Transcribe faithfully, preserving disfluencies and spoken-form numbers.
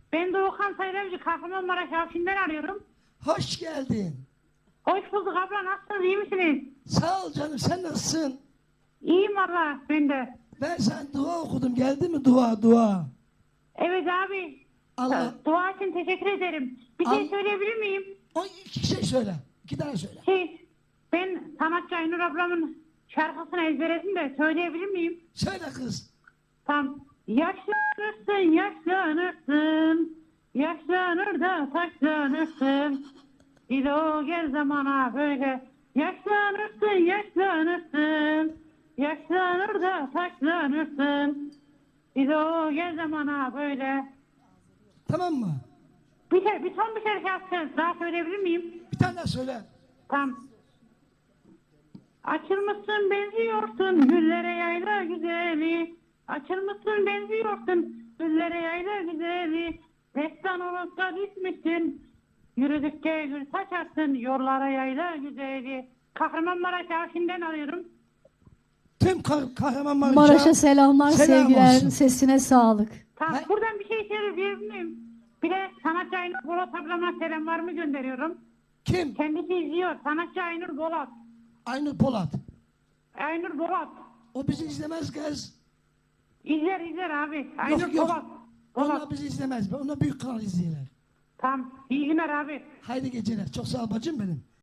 Ben Doğukan Sayılavcı, Kahramanmaraş Afşin'den arıyorum. Hoş geldin. Hoş bulduk abla, nasılsınız, iyi misiniz? Sağ ol canım, sen nasılsın? İyiyim valla, ben de. Ben sana dua okudum, geldi mi dua dua? Evet abi, Allah, dua için teşekkür ederim. Bir şey Al- söyleyebilir miyim? o iki şey söyle, iki tane söyle. Şey, ben sanatçı Aynur ablamın şarkısını ezberledim de söyleyebilir miyim? Söyle kız. Tam. Yaşlanırsın, yaşlanırsın, yaşlanır da taşlanırsın. İlo gel zamana böyle. Yaşlanırsın, yaşlanırsın, yaşlanır da taşlanırsın. İlo gel zamana böyle. Tamam mı? Bir, şey, bir son bir şey yapacağız. Daha söyleyebilir miyim? Bir tane daha söyle. Tam. Açılmışsın benziyorsun güllere yayla güzeli. Açılmışsın benziyorsun güllere yayla güzeli. Destan olup da düşmüşsün. Yürüdükçe gül saçarsın yollara yayla güzeli. Kahramanmaraş Afşin'den arıyorum. Tüm kah Kahramanmaraş'a Maraş'a selamlar, selam sevgiler, olsun. sesine sağlık. Tamam, Ne? buradan bir şey söyleyebilir miyim? Bir de sanatçı Aynur Bolat ablama selamlarımı gönderiyorum. Kim? Kendisi izliyor. Sanatçı Aynur Bolat. Aynur Polat. Aynur Bolat. O bizi izlemez kız. İzler izler abi. Aynur Yok yok. Bolat. Onlar Bolat. bizi izlemez. Onlar büyük kanal izleyenler. Tamam. İyi günler abi. Haydi geceler. Çok sağ ol bacım benim.